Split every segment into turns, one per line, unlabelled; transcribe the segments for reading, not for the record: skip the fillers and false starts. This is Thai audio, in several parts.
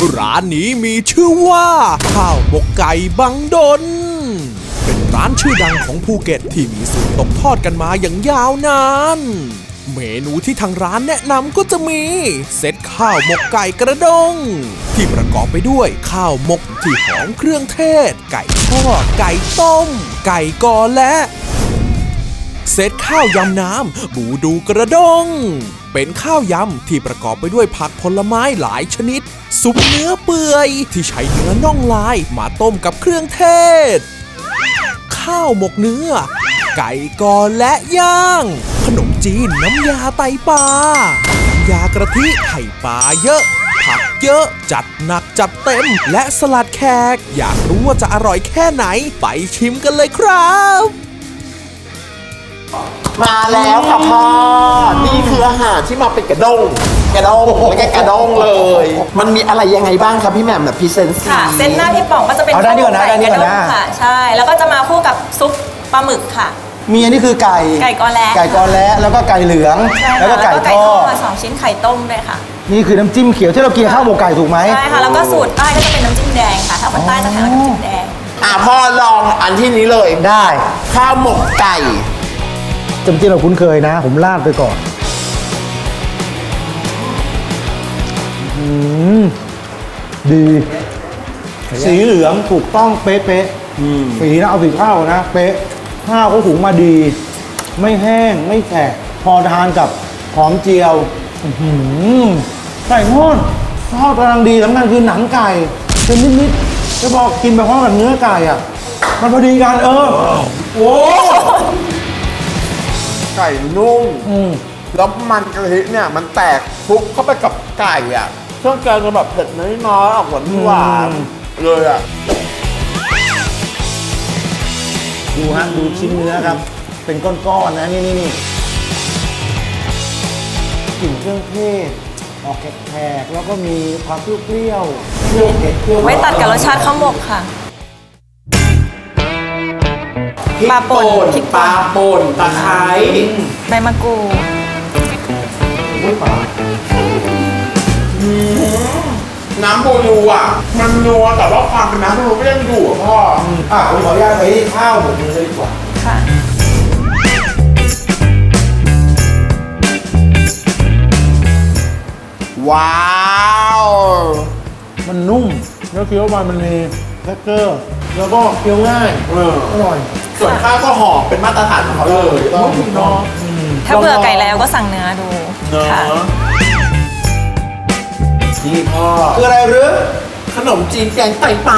ร้านนี้มีชื่อว่าข้าวหมกไก่บังดนเป็นร้านชื่อดังของภูเก็ตที่มีสูตรตกทอดกันมาอย่างยาวนานเมนูที่ทางร้านแนะนำก็จะมีเซตข้าวหมกไก่กระด้งที่ประกอบไปด้วยข้าวหมกที่หอมเครื่องเทศไก่ทอดไก่ต้มไก่กอและเซตข้าวยำน้ำบูดูกระด้งเป็นข้าวยำที่ประกอบไปด้วยผักผลไม้หลายชนิดซุปเนื้อเปื่อยที่ใช้เนื้อน่องลายมาต้มกับเครื่องเทศข้าวหมกเนื้อไก่กอและย่างขนมจีนน้ำยาไตปลาน้ำยากระทิไข่ปลาเยอะผักเยอะจัดหนักจัดเต็มและสลัดแขกอยากรู้ว่าจะอร่อยแค่ไหนไปชิมกันเลยครับ
มาแล้วค่ะพ่อนี่คืออาหารที่มาเป็นกระด้งไม่ใช่กระด้งเลยมันมีอะไรยังไงบ้างครับพี่แหม่มแบบพรีเซนต์
ค่ะเส้นหน้าพี่ป๋องก็จะเป็นข้าวหมกไก่กระด้งค่ะใช่แล้วก็จะมาคู่กับซุปปลาหมึกค่ะ
มีอันนี้คือไก่
กอและ
แล้วก็ไก่เหลืองแล้วก็ไก่ทอด
มา2ชิ้นไข่ต้มด้วยค่ะ
นี่คือน้ำจิ้มเขียวที่เรากินข้าวหมกไก่ถูกไหม
ใช่ค่ะแล้วก็สูตรใต้ก็จะเป็นน้ำจิ้มแดงค่ะถ้าคนใต้จะทานน้ำจิ้มแดง
พ่อลองอันที่นี้เลย
ได้
ข้าวหมกไก่
จำที่เราคุ้นเคยนะผมราดไปก่อนดีสีเหลืองถูกต้องเป๊ะๆสีนะเอาสีข้าวนะเป๊ะข้าวก็หุงมาดีไม่แห้งไม่แฉะพอทานกับหอมเจียวไก่ทอดกำลังดีสำคัญคือหนังไก่เป็นนิดๆจะบอกกินไปพร้อมกับเนื้อไก่อ่ะมันพอดีกัน
โอ้ไก่นุ่มแล้วมันกะทิเนี่ยมันแตกคลุกเข้าไปกับไก่อ่ะเครื่องแกงจะแบบเผ็ดน้อยๆออกหวานเลยอ่ะ
ดูชิ้นเนื้อครับเป็นก้อนๆนะนี่กลิ่นเครื่องเทศออกแขกแล้วก็มีความเปรี้ยว
ไว้ตัดกับรสชาติข้าวหมกค่ะปลาป่
นตะไคร้
ใบมะกรูด
น้ำโบยูอ่ะมันนัวแต่ว่าความเป็นน้ำโบยูก็ยังอยู่อ่ะพ่อ
ผมขออนุญาตไปข้าวหมกเลยดีกว่า
ค่ะ
ว้าว
มันนุ่มแล้วเคี้ยวไปมันมีเท็กเจอร์แล้วก็เคี้ยวง่ายอร่อย
ส่วนข้าวก็หอมเป็นมาตรฐานของเขาเลยต้องเนาะ
ถ้าเบื่อไก่แล้วก็สั่งเนื้อดูค่ะ
นี่พ่อ
คืออะไรหรือ
ขนมจีนแกงไตปลา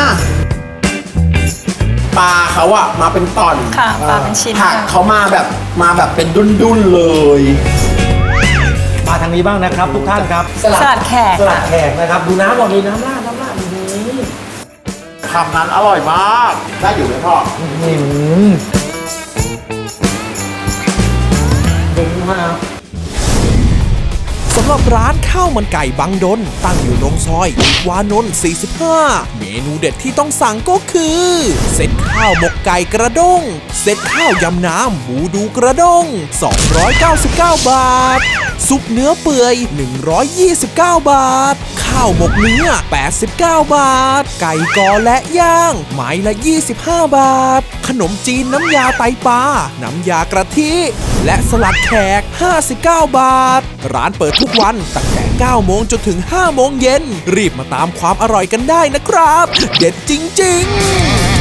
ปลาเขาอะมาเป็นตอน
ค่ะปลาเป็นชิ้น
ผักเขามาแบบเป็นดุ้นๆเลย
มาทางนี้บ้างนะครับทุกท่านครับ
สลัดแขก
นะครับดูน้ำก่อนเลยน้ำราด
คำนั้นอร่อยมากได้อยู่ไหมพ่อ
สำหรับร้านข้าวมันไก่บังดนตั้งอยู่ตรงซอยวานนท์45เมนูเด็ดที่ต้องสั่งก็คือเซตข้าวหมกไก่กระด้งเซตข้าวยำน้ำบูดูกระด้ง299 บาทซุปเนื้อเปื่อย129 บาทข้าวหมกเนื้อ89 บาทไก่กอและย่างไม้ละ25 บาทขนมจีนน้ำยาไตปลาน้ำยากระทิและสลัดแขก59 บาทร้านเปิดทุกวันตั้งแต่9 โมงจนถึง5 โมงเย็นรีบมาตามความอร่อยกันได้นะครับเด็ดจริงๆ